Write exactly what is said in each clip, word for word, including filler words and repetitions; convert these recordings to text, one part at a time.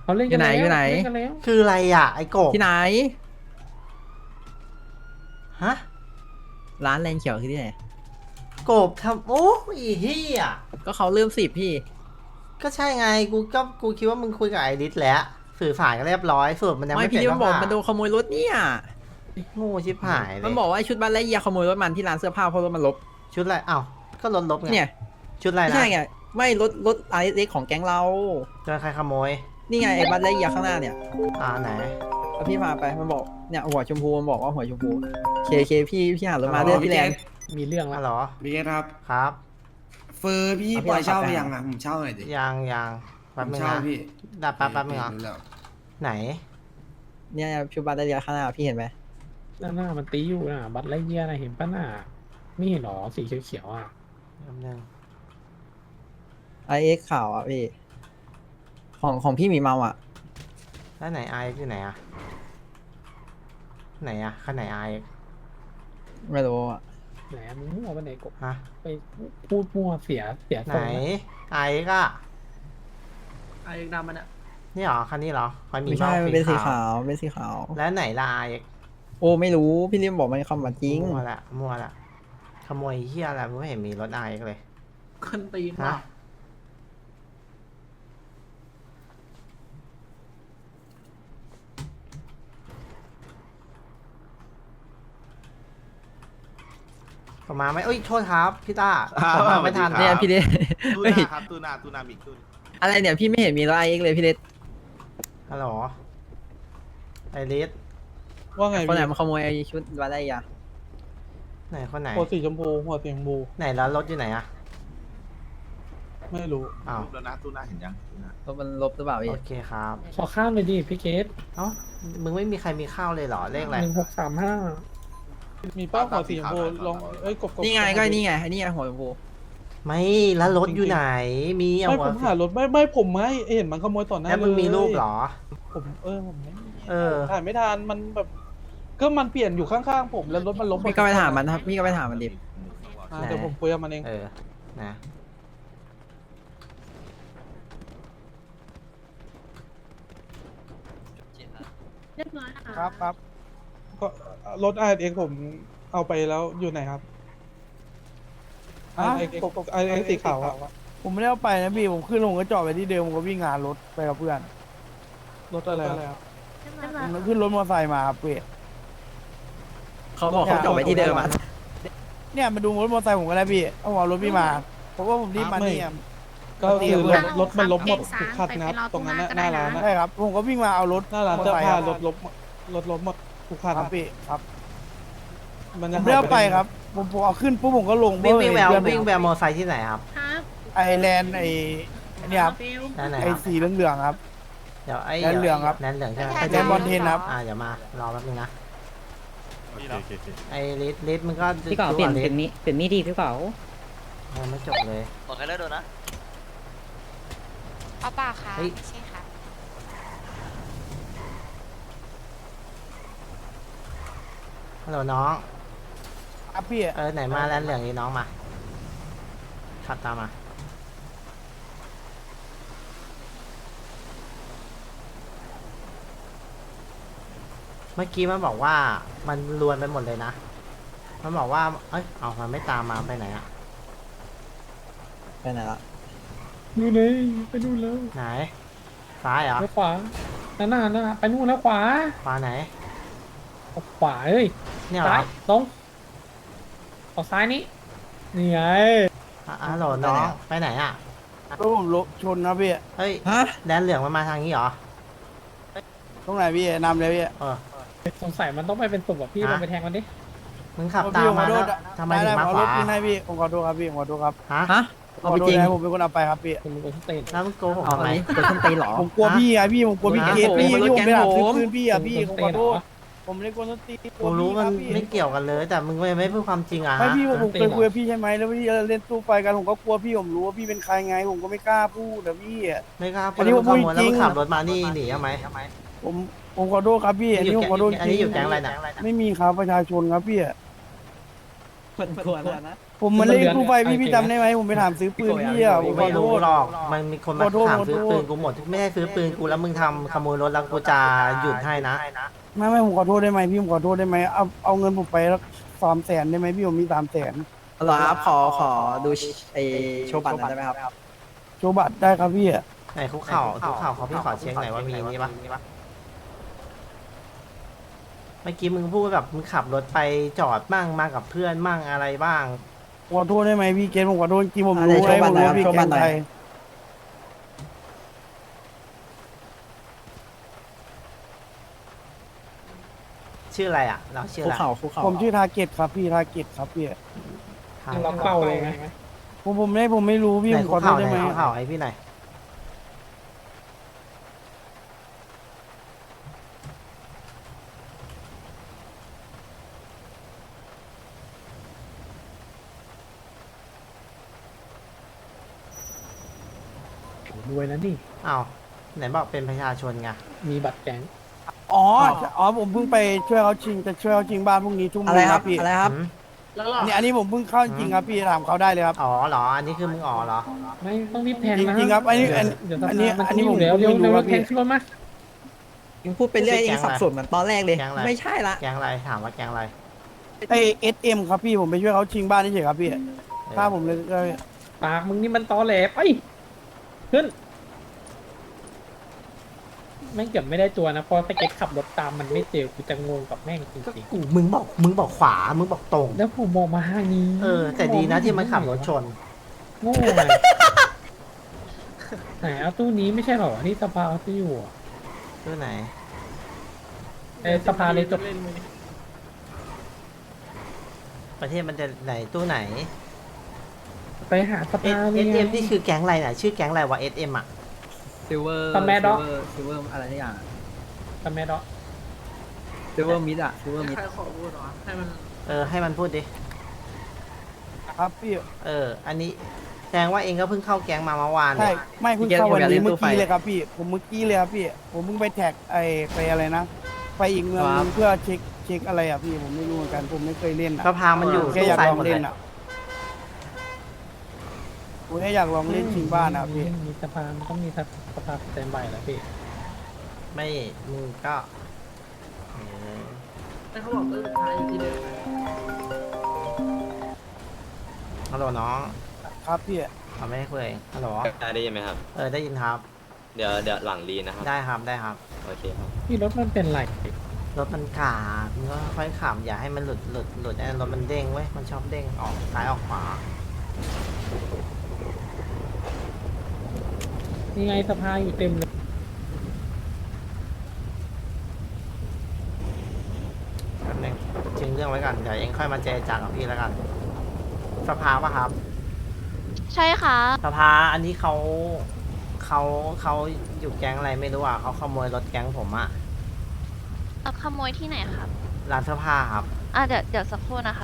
เขาเล่นอกัยู่นไหนแล้วอยู่ไหนเล่นกันแล้วคืออะไรอ่ะไอ้กบที่ไหนฮะร้านแลนเขียวคือที่ไหนกบทำโอ้ยเฮียก็เขาเริ่มสิบพี่ก็ใช่ไงกูก็กูคิดว่ามึงคุยกับไอริสแล้วสื่อสารกันเรียบร้อยสรุดมันยังไม่ไม่พี่เสร็จนี่มันบอกก็มันโดนขโมยรถเนี่ยโง่ชิบหายเลมันยบอกว่าไอ้ชุดบ้านไร่เยียขโมยรถมันที่ร้านเสื้อผ้าเพราะรถมันลบชุดอะไรอ้าวก็ลดลบไงเนี่ยชุดอะไรไม่นะใช่ไง ไม่รถรถไอเล็กของแก๊งเราโดนใครขโมยนี่ไงไอ้บ้านไร่เยียข้างหน้าเนี่ยอ่าไหนเอาพี่พาไป มันบอก เนี่ยหัวชมพูมันบอกว่าหัวชมพูเคเคพี่พี่หารถมาเรื่อยพี่แลนด์มีเรื่องแล้ฮัวลโหลพี่เกตครับครับเฟอร์พี่เอาพี่ปล่อยเช่าเอาไปไปยังอ่ะผมเช่าหน่อยดิยังยังผแป๊บมนึงเช่านะพี่ดับแป๊บแป๊บนึงเหรอเดี๋ยวไหนเนี่ยชุดบ้านไร่เยียข้างหน้าพี่เห็นไหมหน้าหน้ามันตีอยู่นะบัตรไล่เยี่ยนะเห็นปะน่ะไม่เห็นหรอสีเขียวๆอ่ะแป๊บนึงไอเอ็กข่าวอ่ะพี่ ของของพี่หมีเมาอ่ะแล้วไหนไออยู่ไหนอะไหนอะข้างไหนไอไม่รู้อ่ะไหนมึงมั่วไปไหนกบฮะไปพูดมั่วเสียเสียไหทนรงนะไอก็ไอ้ดำมันอะนี่เหรอคันนี้เหรอคอยมีไม่ใช่เามันเป็นสีขาวเป็นสีขาวแล้วไหนละไอโอ้ไม่รู้พี่ริมบอกมันคำว่าจริงมั่วละมั่วละขโมยเฮียอะไรมึงไม่เห็นมีรถไอเลยคนตีนฮะว่ะประมาณไหมเอ้ยโทษครับพี่ต้าอ่าผมมาไม่ทันสวัสดีเนี่ยครับพี่เล็กตูเฮ้ยนาครับตูนาตูนามิกตูนอะไรเนี่ยพี่ไม่เห็นมีรถไอเอ็กเลยพี่เล็กฮัลโหลไอริสว่าไงคนไหนพี่มาขโมยไอชุดวาไลยาไหนคนไหนหัวสีชมพูหัวสีชมพูไหนแล้วรถอยู่ไหนอะไม่รู้อ้าวรูปแล้วนะตูนาเห็นยังตูนารถมันลบหรือเปล่าพี่โอเคครับขอข้ามเลยดิพี่เกตเอ้ามึงไม่มีใครมีข้าวเลยเหรอเลขอะไรหนึ่งหกสามห้ามีป้าหัวสีชมพูลองเอ้ยกบกบนี่ไงก็นี่ไงไอ้นี่ไงหัวชมพูไม่แล้วรถอยู่ไหนมีเอาไม่หัผวมหารถไม่ไม่ผมไม่เห็นมันขโมยต่อหน้าแล้วมึงเลยมีรูปเหรอผมเออผมไม่มีเออถ่ายไม่ทันมันแบบ ก็มันเปลี่ยนอยู่ข้างๆผมแล้วรถมันล้มพี่ก็ไปถามมันครับพี่ก็ไปถามมันดิอ่าเดี๋ยวผมคุยกับมันเองเออนะเรียบร้อยค่ะครับครับก็รถไอเอ็กผมเอาไปแล้วอยู่ไหนครับไอเอ็กไอเอ็กสีขาวอะผมไม่ได้เอาไปนะพี่ ผมขึ้นลงก็จอดไปที่เดิมผมก็วิ่งงานรถไปกับเพื่อนรถอะไรครับเรียบร้อยผมค่ะขึ้นรถมอเตอร์ไซค์มาครับพี่เขาบอกเขาจอดไว้ที่เดิมอ่ะเนี่ยมาดูรถมอเตอร์ไซค์ผมก็ได้พี่เอาหัวรถพี่มาเพราะว่าผมรีบมาเนี่ยก็คือรถรถมันล้มหมดทุกคันนะครับตรงนั้นน่ะหน้าร้านนะใช่ครับ ผมก็วิ่งมาเอารถหน้าร้านมอเสื้อตอร์ไซค์ผ้าครับรถล้มรถล้มหมดทุกคันครับพี่ครับมันผจะมไม่ได้เอาไปครับ ผมผมเอาขึ้นปุ๊บผมก็ลงวิ่งวิ่งแววเพื่อนวิ่งแววมอไซค์ที่ไหนครับครับไอแลนด์ไออันนี้ครับเบลนั่นไหนไอครับสีเหลืองๆครับเดี๋ยวไอ้แลนเหลืองครับแลนเหลืองใช่ไหมไอแลนด์บอลเทนครับอ่าเดี๋ยวมารอแป๊บนึงนะโอเคโอเคโอเคไอ้ลิสลิสมึงก็พี่เก๋าเปลี่ยนลิเป็นมีเป็นมีดดีพี่เก๋ายังไม่จบเลยบอกใครเลิกโดนนะเอาเปล่าค่ะเฮ้ยใช่ค่ะฮัลโหลน้องครับพี่เออไหนมาแลนเหลืองนี่น้องมาขับตามมา เมื่อกี้มันบอกว่ามันรวนไปหมดเลยนะ มันบอกว่า เอ้ย เอามันไม่ตามมาไปไหนอะไปไหนละนู่นเลยไปนู่นแล้วไหน ซ้ายเหรอแล้วขวานั่นน่ะนั่นน่ะไปนู่นแล้วขวาขวาไหนเอาขวาเอ้ยเนี่ยเหรซ้าอยตรงออกซ้ายนี้นี่ไงอ่ะฮัลโหลน้องไปไหนอะรถผมรถชนครับพี่เฮ้ยฮะแลนเหลืองมันมาทางนี้เหรอตรงไหนพี่นำเลยพี่เออสงสัยมันต้องไปเป็นศพแบบพี่ฮะลองไปแทงมันดิมึงขับตามมาแล้วทำไมถึงมาเอาขรวาถคืนให้พี่ผมขอโทษครับพี่ผมขอโทษครับฮะฮะขเอาอไปโทษจริงนะผมเป็นคนเอาไปครับพี่เป็นเป็นสเตนแล้วมึงโกหกเอาทำอัไมนนี้เกิดขึ้นตีเหรอผมกลัวพี่ไงพี่ผมกลัวพี่ฮะเคสพี่ผมที่ผมไปหาซื้อผมคืนพี่อ่ะพี่ผมขอโทษเหรอผมไม่ได้กวนต้นตีกูรู้มันไม่เกี่ยวกันเลย แต่มึงไม่พูดความจริงอะไม่ฮะพี่ผมผมตีเคยเหรอคุยกับพี่ใช่ไหมแล้วพี่เล่นตู้ไฟกันผมก็กลัวพี่ผมรู้ว่าพี่เป็นใครไง ผมก็ไม่กล้าพูดแต่พี่อ่ะไม่ครับอันนี้ผมขโมยแล้วพูดจริมึงงขับรถมานี่หนีทำไมผมผมขอโทษครับพี่อันนี้ผมขอโทษจอันรินี้งอยู่แก๊งอะไรนะไม่มีครับประชาชนครับพี่อะมันควรนะผมมันเล่นตู้ไฟพี่พี่จำได้ไหมผมไปถามซื้อปืนพี่อ่ะผมขไม่อโทรู้ษหรอกมันมีคนมาขอโทษถามซื้อขอโทษปืนกูหมดไม่ได้ซื้อปืนกูแล้วมึงทำขโมยรถแล้วกูจะหยุดให้นะไม่ไม่ผมขอโทษได้ไหมพี่ผมขอโทษได้ไหมเอาเอาเงินผมไปแล้วสามแสนได้ไหมพี่ผมมีสามแสนเหรอครับขอขอดูไอโชว์บัตรหน่อยได้ไหมครับโชว์บัตรได้ครับพี่อะไหนคุกเข่าคุกเข่าเขาพี่ขอเช็คหน่อยว่ามีนี่ปะเมื่อกี้มึงพูดแบบมึงขับรถไปจอดมั่งมากับเพื่อนมั่งอะไรบ้างขอโทษได้ไหมพี่เกณฑ์ผมขอโทษจริงๆผมอ่ะรู้ไหนโชไงว์บัผตรมหน่อยรู้ครับพี่โชว์เกบัตณรฑ์หน่ใคอรยชื่ออะไรอ่ะ เราชื่อคุอะกไรเข่าคุกเข่าผมชื่อทาเกตครับพี่ทาเกตครับพี่ทางล็อกเป้าเลยไหมผมผมไม่ผมไม่รู้พี่ไหนผมคุขกอโทเข่าษไหนได้ไหมคุกเข่าให้พี่หน่อยรวยนะนี่อ้าวไหนบอกเป็นประชาชนไงมีบัตรแก๊งอ๋ออ๋อผมเพิ่งไปช่วยเขาชิงจะช่วยเขาชิงบ้านพรุ่งนี้ทุ่มหอะนึไรง คครัรับบพี่อะไรครับหืมแล้วหรออันนี้อันนี้ผมเพิ่งเข้าจริงครับพี่ถามเขาได้เลยครับอ๋อเหรออันนี้คือมึงอ๋อเหรอไม่ต้องรีบแทงจนะริงๆครับอันนี้อันเดี๋ยวอันนี้มันอันนี้จะผมอยู่แล้วเร็วไม่รู้เร็วครับแทพี่งขึ้นรถมายังพูดไปเรื่อยยังสับสนเหมือนตอนแรกเลยแก๊งอะไรไม่ใช่ละแก๊งอะไรถามว่าแก๊งอะไรไอเอสเอ็มครับพี่ผมไปช่วยเขาชิงบ้านเฉยๆครับพี่ถ้าผมเลยก็ปากมึงนี่มันตอแหลไปขึ้นแม่งเกือบไม่ได้ตัวนะเพราะสเก็ตขับรถตามมันไม่เจอกูจะงงกับแม่งจก็ริงกูมึงบอกมึงบอกขวามึงบอกตรงๆแล้วผมมองมาทางนี้เออ แต่ดีนะที่มันขับรถชนโง่ไงไหนเอาตู้นี้ไม่ใช่เหรอที่สภาเอาที่อยู่อะตู้ไหนเออสภาเลยจบประเทศมันจะไหนตู้ไหนไปหาสเอภาสเลยเอ็มนี่คือแก๊งอะไรน่ะชื่อแก๊งอะไรวะเอสเอ็มอ่ะซิลเวอร์ตะแมดอกซิลเวอร์อะไรทุกอย่างตะแม่ดอกซิลเวอร์มิดอะซิลเวอร์มิดใครขอพูดเหรอให้มันเออให้มันพูดดิครับพี่เออ อันนี้แสดงว่าเองก็เพิ่งเข้าแก๊งมาเมื่อวานใช่เนี่ยไม่เพิ่งเข้าวันนี้เมื่อกี้เลยครับพี่ผมเมื่อกี้เลยครับพี่ผมเพิ่งไปแท็กไอไปอะไรนะไปอีกเมืองนึงเพื่อเช็คเช็คอะไรอ่ะพี่ผมไม่รู้เหมือนกันผมไม่เคยเล่นอ่ะสภามันอยู่แค่ตู้อยากไฟลองหมดเลเล่ยนอ่ะผมแค่อยากลองเล่นชิงบ้านนะครับพี่มีสภามันต้องมีสภาสแตนบายแล้วพี่ไม่มึงก็เออให้เขาบอกเออท้ายอีกทีเดียวฮัลโหลน้องครับพี่เขาไม่ให้คุยฮัลโหลได้ยินไหมครับเออได้ยินครับเดี๋ยวเดี๋ยวหลังรีนะครับได้ครับได้ครับโอเคครับพี่รถมันเป็นไรรถมันกาดมึงก็ค่อยขับอย่าให้มันหลุดหลุดหลุดไอ้รถมันเด้งเว้ยมันชอบเด้งออกซ้ายออกขวานี่ไงสภาอยู่เต็มเลยแป๊บนึงชิงเรื่องไว้ก่อนเดี๋ยวเองค่อยมาเจรจากับพี่แล้วกันสภาปะครับใช่ค่ะสภาอันนี้เขาเขาเขาอยู่แก๊งอะไรไม่รู้อ่ะเขาขโมยรถแก๊งผมอ่ะเอาขโมยที่ไหนครับร้านเสื้อผ้าครับอ่ะเดี๋ยวเดี๋ยวสักครู่นะคะ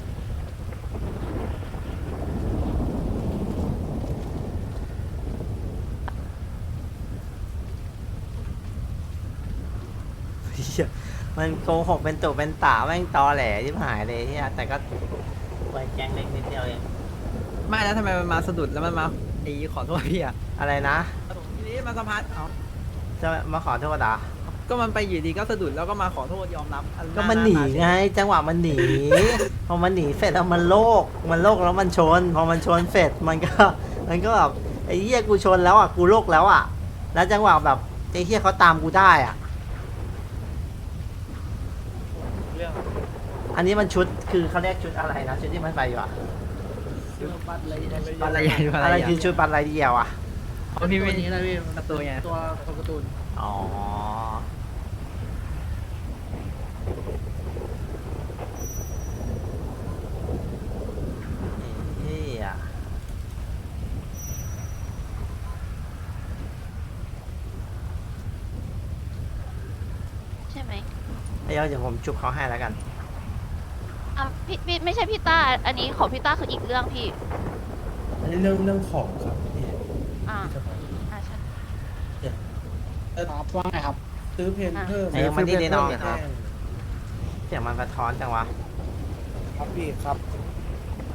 เหี้ยมันโกหกเป็นตุเป็นตาแม่งตอแหลที่หายเลยเฮียแต่ก็ไว้แก๊งเล็กนิดเดียวเองไม่แล้วทำไมมันมาสะดุดแล้วมันมาไอ้ขอโทษพี่อะอะไรนะทีนี้มาสัมภาษณ์เอาจะมาขอโทษเหรอก็มันไปอยู่ดีก็สะดุดแล้วก็มาขอโทษยอมรับอัก็มันหนีาาไง จังหวะมันหนี พอมันหนีเสร็จแล้วมันโลก มันโลกแล้วมันชน พอมันชนเสร็จมันก็ มันก็แบบไอ้เหี้ยกูชนแล้วอ่ะกูโลกแล้วอ่ะ แล้วจังหวะแบบไอ้เหี้ยเขาตามกูได้อ่ะ อันนี้มันชุดคือเขาเรียกชุดอะไรนะชุดที่มันไปอยู่อ่ะบัตรอะไรอะไรอย่างเงี้ยอะอะไร ไรคือชุดปันไรเดียวอ่ะเอาพี่ตัวไม่นี้นะพี่การ์ตูนไงตัวตัวการ์ตูนอ๋อเฮียใช่ไหมเดี๋ยวเดี๋ยวผมจุบเขาให้แล้วกันอ่ะพี่พี่ไม่ใช่พี่ต้า อันนี้ของพี่ต้าคืออีกเรื่องพี่อันนี้เรื่องเรื่องของครับพี่อ่าอ่าใช่ครับว่าไงครับ ซื้อเพนเพิ่มไอ้ยังไม่ได้น้องครับ เสียงมันสะท้อนจังวะครับพี่ครับ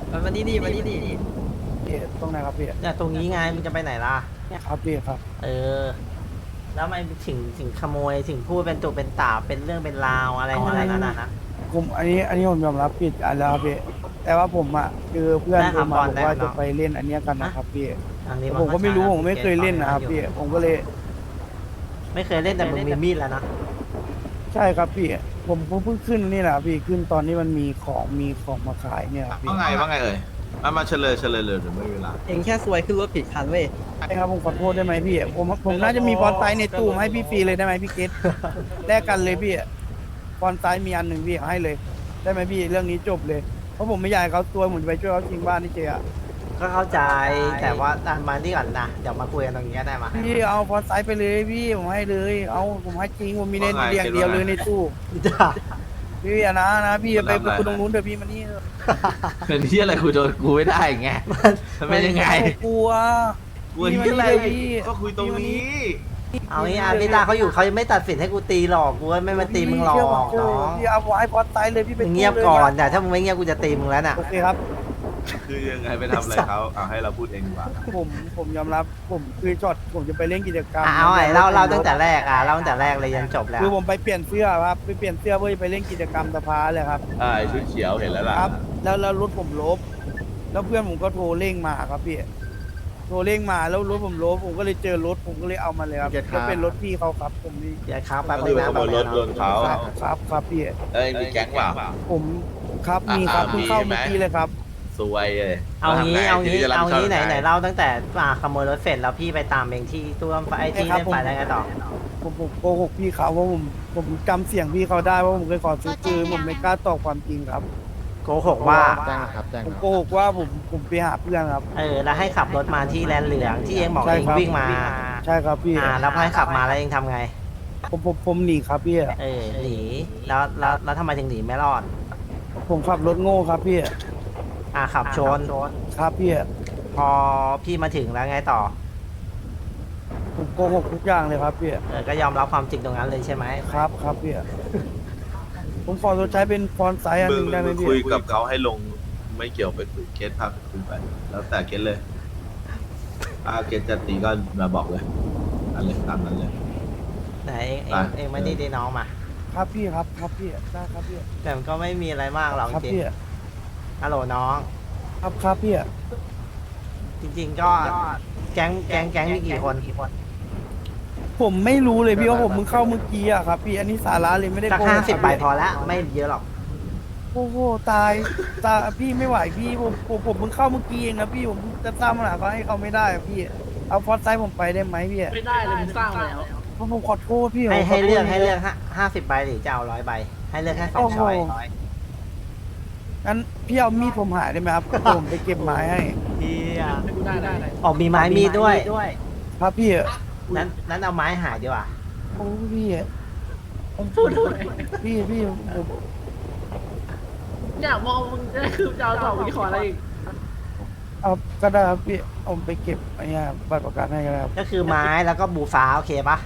มันมานี่ดิมานี่ดิพี่ตรงไหนครับพี่เนี่ยตรงนี้ไงมึงจะไปไหนล่ะครับพี่ครับเออ แล้วทำไมถึงถึงขโมยถึงพูดเป็นตุเป็นตาเป็นเรื่องเป็นราวอะไรขนาดนั้นนะผมอันนี้อันนี้ผมยอมรับผิดอันแล้วครับพี่แต่ว่าผมอ่ะคือเพื่อนได้โทครัรบมาบอลบอกได้ว่าครับจะไปเล่นอันเนี้ยกันนะครับพี่อันนี้ผมก็ไม่รู้ผมไม่เคยเล่นนะครับเกพี่ตผมก็เลยไม่เคยเล่นแต่มึงมีมีดแล้วนะใช่ครับพี่ผมผมเพิ่งขึ้นนี่แหละพี่ขึ้นตอนนี้มันมีของมีของมาขายเนี่ยครับพี่ว่าไงว่าไงเอ่ยมามาเฉลยเฉลยเลยเดี๋ยวไม่มีเวลาเองแค่ซวยขึ้นรถผิดคันเว้ยใช่ครับผมขอโทษได้ไหมพี่ผมผมน่าจะมีฟอนต์ไซส์ในตู้มาให้พี่ฟรีเลยได้ไหมพี่เกตแลกกันเลยพี่ฟอนต์ไซส์มีอันหนึ่งพี่ให้เลย ได้ไหมพี่เรื่องนี้จบเลยเพราะผมไม่อยากให้เขาตัวผมจะไปช่วยเขาจริงบ้านนี่เจ๊อะก็เข้าใจแต่ว่าตามมาที่ก่อนนะเดี๋ยวมาคุยกันตรงนี้ก็ได้มาพี่เอาฟอนต์ไซส์ไปเลยพี่ผมให้เลย เอาผมให้จริงผมมีในว่าไงเรียงเดียวเลยในตู้จ้าพี่อย่านะนะพี่อย่าไปมันรับคุณตได้รงนู้นเดี๋ยวพี่มานี่เถอะเป็นที่อะไรคุยโดนกูไม่ได้ไงมันเป็นยังไงกลัวกูที่อะไรก็คุยตรงนี้เอางี้อ่ะพี่ตาเขาอยู่เขายังไม่ตัดสินให้กูตีหรอกกูไม่มาตีมึงหรอกเชื่ผมน้องพี่เอาไอ้ฟอนต์ไซส์เลยพี่ไปมึงเงียบก่อนแต่ถ้ามึงไม่เงียบกูจะตีมึงแล้วน่ะโอเคครับคือยังไงไปทำอะไรเขาเอาให้เราพูดเองดีกว่าผมผมยอมรับผมคือช็อตผมจะไปเล่นกิจกรรมอ่ะเอาไอ้เล่าเล่าตั้งแต่แรกอ่ะเล่าตั้งแต่แรกเลยยันจบแล้วคือผมไปเปลี่ยนเสื้อครับไปเปลี่ยนเสื้อเพื่อจะไปเล่นกิจกรรมสภาเลยครับอ่าไอ้ชุดเขียวเห็นแล้วล่ะครับ แล้วแล้วรถผมลบ แล้วเพื่อนผมก็โทรเร่งมาครับพี่โทรเร่งมาแล้วรถผมลบผมก็เลยเจอรถผมก็เลยเอามาเลยครับก็เป็นรถพี่เขาครับผมนี่อย่าครับแป๊บก็นึคืงอนะขโมยรถโดนเขาครับครับครับพี่เอ้ยมีแก๊งเปล่าผมครับมีครับอ่าเพิ่งเข้ามีไหมเมื่อกี้เลยครับสวยเลยเอางี้เอางี้ทีจะรับเอาผิดชบงี้ไหนยังไหนงเล่าตั้งแต่อ่าขโมยรถเสร็จแล้วพี่ไปตามเองที่ตู้ไอ้ที่ใช่ครับเล่นไฟได้ไงต่อผมผมโกหกพี่เขาว่าผมผมจำเสียงพี่เขาได้ว่าผมเคยขอซื้อปืนผมไม่กล้าตอบความจริงครับโกหกว่าผมโกหกว่าผมผมไปหาเพื่อนครับเออแล้วให้ขับรถมาที่แลนเหลืองที่เองบอกใช่เองครับวิ่งมาใช่ครับพี่อ่าแล้วพอให้ขับมาแล้วเองทำไงผมผมผมหนีครับพี่เออหนีแล้วแล้วแล้วทำไมถึงหนีไม่รอดผมขับรถโง่ครับพี่อ่าขับชนครับพี่พอพี่มาถึงแล้วไงต่อผมโกหกทุกอย่างเลยครับพี่เออก็ยอมรับความจริงตรงนั้นเลยใช่ไหมครับครับพี่ผมขอตัวใช้เป็นฟอนต์ไซส์อันมึหงนึ่งได้ไหมมึงพี่คุยกับเขาให้ลงไม่เกี่ยวไปคุยเคสภาพคุยไป แล้วแต่เคสเลยอาเคสจะตีก็มาบอกเลยอันเลยตามนั้นเลยไหนเองเองไปเองไม่ได้ได้น้องมาครับพี่ครับครับพี่ได้ครับพี่แต่มันก็ไม่มีอะไรมากหรอกครับจริงพี่ๆฮัลโหลน้องครับครับพี่จริง ๆ ก็แก๊งแก๊งแก๊งมีกี่คนผมไม่รู้เลยพี่ว่าผมมึงเข้าเมื่อกี้อะครับพี่อันนี้สาระเลยไม่ได้สักโกหกห้าสิบครับใบพี่พอละไม่เยอะหรอกโอ้โหตายตายพี่ไม่ไหวพี่ผมผมผมเพิ่งเข้าเมื่อกี้เองนะพี่ผมจะสร้างปัญหาเขาให้เขาไม่ได้อะพี่เอาฟอนต์ไซส์ผมไปได้ไหมพี่ไม่ได้เลยมึงสร้างมาแล้วเพราะผมขอโทษพี่ให้ผมขให้โทษเลือกให้เลือกห้าห้าสิบใบหรือจะเอาร้อยใบ ให้เลือกแค่สองช้อยงั้นพี่เอามีดผมหายได้ไหมครับ ผมไปเก็บไม้ให้เฮียไม่กูได้ได้ได้ออกมีไม้มีดด้วยครับพี่นั้นนั้นเอาไม้หายดีกว่าโอ้พี่ผมพูดด้วยพี่พี่ผมอยากมองมึงจะได้คือจะเอาต่อมึงขออะไรอีกเอาก็ได้ครับพี่เอาไปเก็บไอ้เนี่ยบัตรประกันให้ก็ได้ครับก็คือไม้แล้วก็บูฟ้าโอเคปะ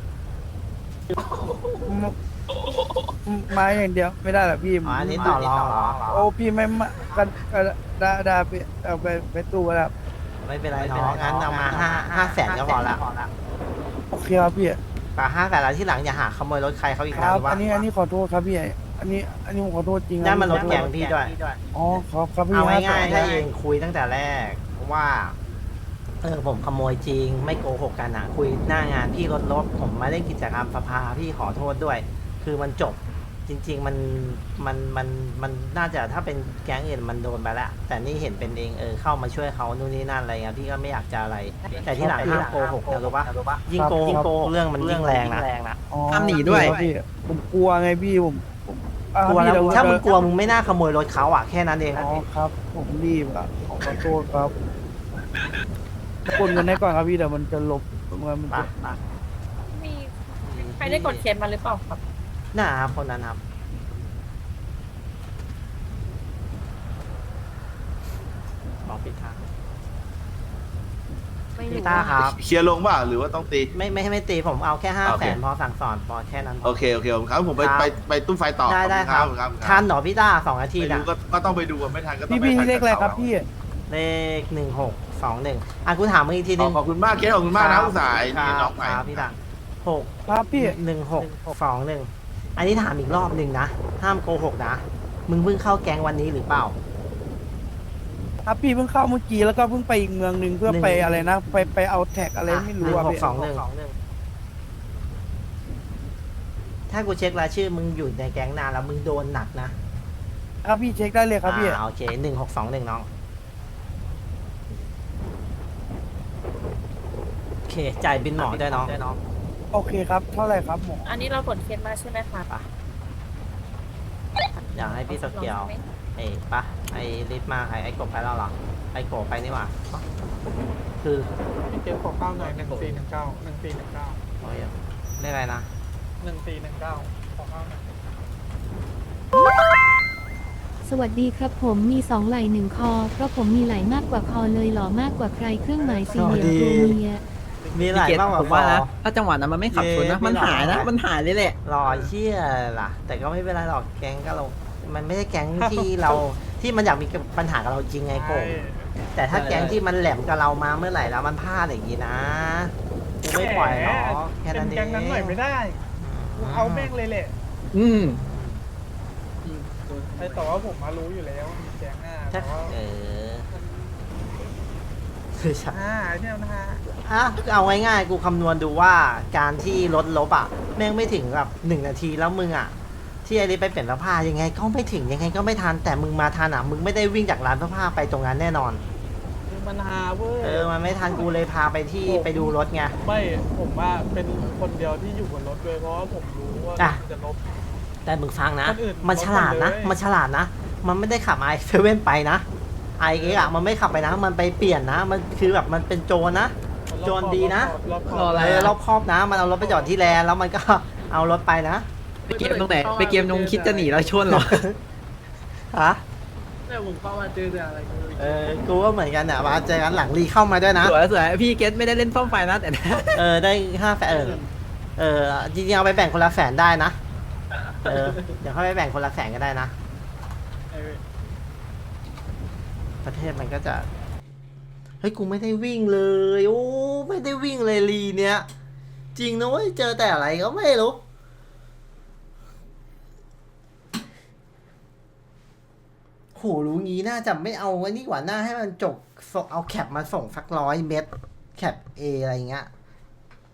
ไม้อย่างเดียวไม่ได้หรอพี่อ๋ออันนี้ต่อรองเหรอโอ้พี่ไม่มากันก็ได้ได้พี่เอาไปไปตู้ก็ได้ครับไม่เป็นไรน้องงั้นเอามาห้าห้าแสนก็พอละโอเคครับพี่แต่ห้าแสนแล้วที่หลังอย่าหาขโมยรถใครเขาอีกคนะรับรู้ปะอันนี้อันนี้ขอโทษครับพี่อันนี้อันนี้ผมขอโทษจริงนั่นมันรถแกงพี่ด้วยอ๋อครับครับพี่เอาครับง่ายๆถ้าเองคุยตั้งแต่แรกว่าเออผมขโมยจริง ไม่โกหกกันอ่ะคุยหน้างานพี่รถรถผมมาเล่นกิจกรรมสภาพี่ขอโทษด้วย คือมันจบจริง ๆ มันมันมันมันน่าจะถ้าเป็นแก๊งอื่นมันโดนไปแล้วแต่นี่เห็นเป็นเองเออเข้ามาช่วยเขานู่นนี่นั่นอะไรเงี้ยพี่ก็ไม่อยากจะอะไร แต่ที่หลังห้ามโกหกนะรู้ปะยิ่งโกหกเรื่องมันยิ่งแรงนะอ๋อห้ามหนีด้วยครับพี่ผมกลัวไงพี่ผมผมอ่ะกลัวแล้วพี่เดี๋ยถ้ามึงกลัวมึงไม่น่าขโมยรถเขาอ่ะแค่นั้นเองอ๋อครับ ผมรีบอ่ะขอโทษครับกดเงินให้ก่อนครับพี่เดี๋ยวมันจะลบเงินมันปะจะปะมีใครได้กดเคสมาหรือเปล่าครับน่าครับคนนั้นครับบอกปิดทางไม่รู้พี่ต้าครับเคลียร์ลงป่ะหรือว่าต้องตีไม่ไม่ให้ไม่ตีผมเอาแค่ห้าโอแสเคนพอสั่งสอนพอแค่นั้นพโอเคโอเคผมครับผมไปครับไปไปตู้ไฟต่อได้ได้ครับขอณครับทันเหรอพี่ต้าสองนาทีไม่นะรู้ก็ก็ต้องไปดูอะไม่ทันก็ต้องพี่ไปพี่ทันเลขอะไรครับกับพี่เลขหนึ่งหกสองหนึ่งอ่ะกูถามมึงอีกทีขนึอง ขอบคุณมากเกสขอบคุณมากนะอุตส่าห์ไอ้ครันี่บน้องใหม่ครับพี่ต้าหกครับพี่หนึ่งหกสองหนึ่งอันนี้ถามอีกรอบหนึ่งนะ ห้ามโกหกนะ มึงเพิ่งเข้าแก๊งวันนี้หรือเปล่าครับพี่เพิ่งเข้าเมื่อกี้แล้วก็เพิ่งไปอีกเมืองหนึ่งเพื่อหนึ่งไปอะไรนะ ไปไปเอาแท็กอะไรไม่หรู้นึ่งอะหกพี่สองหนึ่งถ้ากูเช็ครายชื่อมึงอยู่ในแก๊งนานแล้วมึงโดนหนักนะครับพี่เช็คได้เลยครับพี่อ่าโอเคหนึ่งหกสองหนึ่งน้องโอเคจ่ายบินหมอด้วยน้องโอเคครับ เท่าไหร่ครับหมออันนี้เรากดเคสมาใช่ไหมคะอยากให้พี่สเกียวเอ้ยปะไอ้ลิฟต์มาไอ้ไอ้กบไปแล้วเหรอไอ้โกบไปนี่หว่าคือพี่เกมขอข้าวหน่อยหนึ่งสี่หนึ่งเก้าหนึ่งสี่หนึ่งเก้าโอ้ยเรียกอะไรนะหนึ่งสี่หนึ่งเก้าขอข้าวหน่อยสวัสดีครับผมมีสองไหล่หนึ่งคอ เพราะผมมีไหล่มากกว่าคอเลยหล่อมากกว่าใครเครื่องหมายสี่เหลี่ยมตัวเมียมีหลายพี่เกตมากกว่าผมว่านะคอถ้าจังหวะนั้นมันไม่ขับชนนะเย้มันหายนะไม่หรอกมันหายเลยแหละรอเชี่ยล่ะ แต่ก็ไม่เป็นไรหรอกแก๊งก็เรา มันไม่ใช่แก๊งที่เราที่มันอยากมีปัญหากับเราจริงไงโกบแต่ถ้าแก๊งที่มันแหลมกับเรามาเมื่อไหร่แล้วมันพลาดอย่างนี้นะกูไม่ปล่อยหรอกแค่นั้นเองแกงนั้นหน่อยไม่ได้เอาแม่งเลยแหละอืมไอ้แต่ว่าผมมารู้อยู่แล้วมีแกงหน้าถ้าแต่ว่าเออคือใช่อ่าเนี่ยนะฮะอ่ะเอาง่ายๆ กูคำนวณดูว่าการที่ลดลบอ่ะ แม่งไม่ถึงแบบหนึ่งนาทีแล้วมึงอ่ะ ที่ไอ้นี่ไปเปลี่ยนเสื้อผ้ายังไงก็ไม่ถึงยังไงก็ไม่ทันแต่มึงมาทันอ่ะ มึงไม่ได้วิ่งจากร้านเสื้อผ้าไปตรงนั้นแน่นอนคือมันฮาเว้ยเออ มันไม่ทันกูเลยพาไปที่ไปดูรถไงไม่ผมว่าเป็นคนเดียวที่อยู่บนรถด้วยเพราะว่าผมรู้ว่าอ่ะมันจะลบแต่มึงฟังนะคนอื่นมันฉลาดนะลดหมดเลยมันฉลาดนะ มันไม่ได้ขับไอเซเว่นไปนะไอเอ็กอะมันไม่ขับไปนะ มันไปเปลี่ยนนะ มันคือแบบมันเป็นโจรนะ โจรดีนะรอบครออบ อะไรเอออะรอบครอบนะ มันเอารถไปจอดที่แลนด์แล้วมันก็ เอารถไปนะไปเกมตรงไหน ไปเกมตรงคิดจะหนีเราชนเหรอฮะแต่ผมเข้ามาเจอแต่อะไรก็ไม่รู้เออ กูก็เหมือนกันเนี่ยมาเจอกันหลังรีเข้ามาด้วยนะสวยสวยพี่เกตไม่ได้เล่นซ่อมไฟนะแต่เออ ได้ห้าแสนเออ เออ จริงๆเอาไปแบ่งคนละแสนได้นะ เออ เดี๋ยวเขาไปแบ่งคนละแสนก็ได้นะไอ้เว้ยประเทศมันก็จะ เฮ้ย กูไม่ได้วิ่งเลย โอ้ ไม่ได้วิ่งเลยลีเนี้ย จริงนะเว้ย เจอแต่อะไรก็ไม่รู้ โห รู้งี้น่าจะไม่เอาไว้นี่กว่าหน้าให้มันจบส่งเอาแคปมาส่งสักร้อยเม็ดแคปเออะไรเงี้ย